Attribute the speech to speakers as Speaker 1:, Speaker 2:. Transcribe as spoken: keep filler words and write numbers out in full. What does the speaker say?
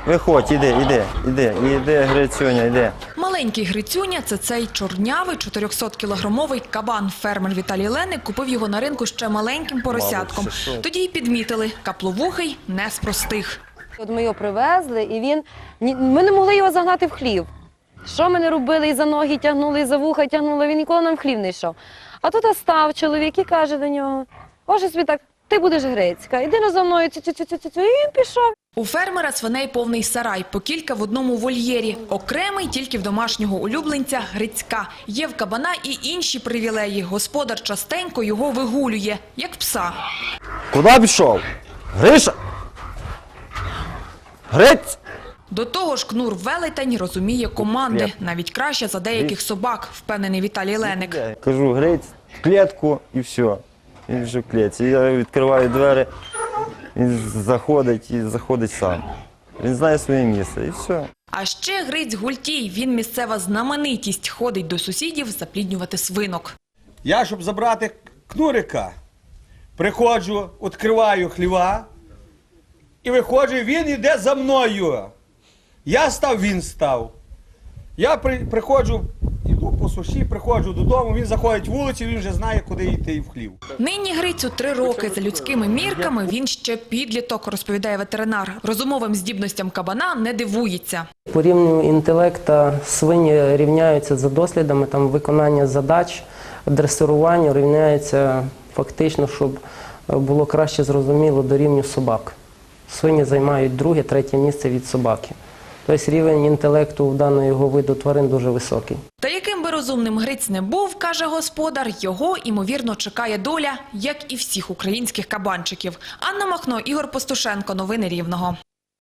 Speaker 1: Виходь, іди, іди, іди, іди, Грицюня, іди.
Speaker 2: Маленький Грицюня – це цей чорнявий чотирьохсоткілограмовий кабан. Фермер Віталій Леник купив його на ринку ще маленьким поросятком. Тоді й підмітили – капловухий не з простих.
Speaker 3: От ми його привезли, і він, ми не могли його загнати в хлів. Що ми не робили, і за ноги тягнули, і за вуха тягнули, він ніколи нам в хлів не йшов. А тут став чоловік і каже до нього: «Боже собі так, ти будеш Грицька, іди на за мною, цю-цю-цю-цю», і він пішов.
Speaker 2: У фермера свиней повний сарай, по кілька в одному вольєрі. Окремий тільки в домашнього улюбленця Грицька. Є в кабана і інші привілеї. Господар частенько його вигулює, як пса.
Speaker 1: Куди пішов? Гриша? Гриць!
Speaker 2: До того ж, Кнур Велетень розуміє команди. Навіть краще за деяких собак, впевнений Віталій Леник.
Speaker 1: Кажу, Гриць, в клітку і все. Він вже в клітці. Я відкриваю двері, він заходить і заходить сам. Він знає своє місце і все.
Speaker 2: А ще Гриць Гультій, він місцева знаменитість, ходить до сусідів запліднювати свинок.
Speaker 4: Я, щоб забрати Кнурика, приходжу, відкриваю хліва і виходжу, він йде за мною. Я став, він став. Я при, приходжу, йду по суші, приходжу додому, він заходить вулицю, він вже знає, куди йти в хлів.
Speaker 2: Нині Грицю три роки. За людськими мірками він ще підліток, розповідає ветеринар. Розумовим здібностям кабана не дивується.
Speaker 5: По рівню інтелекту свині рівняються за дослідами, там виконання задач, дресирування рівняється фактично, щоб було краще зрозуміло, до рівню собак. Свині займають друге, третє місце від собаки. Тобто рівень інтелекту в даного його виду тварин дуже високий.
Speaker 2: Та яким би розумним Гриць не був, каже господар, його, імовірно, чекає доля, як і всіх українських кабанчиків. Анна Махно, Ігор Постушенко. Новини Рівного.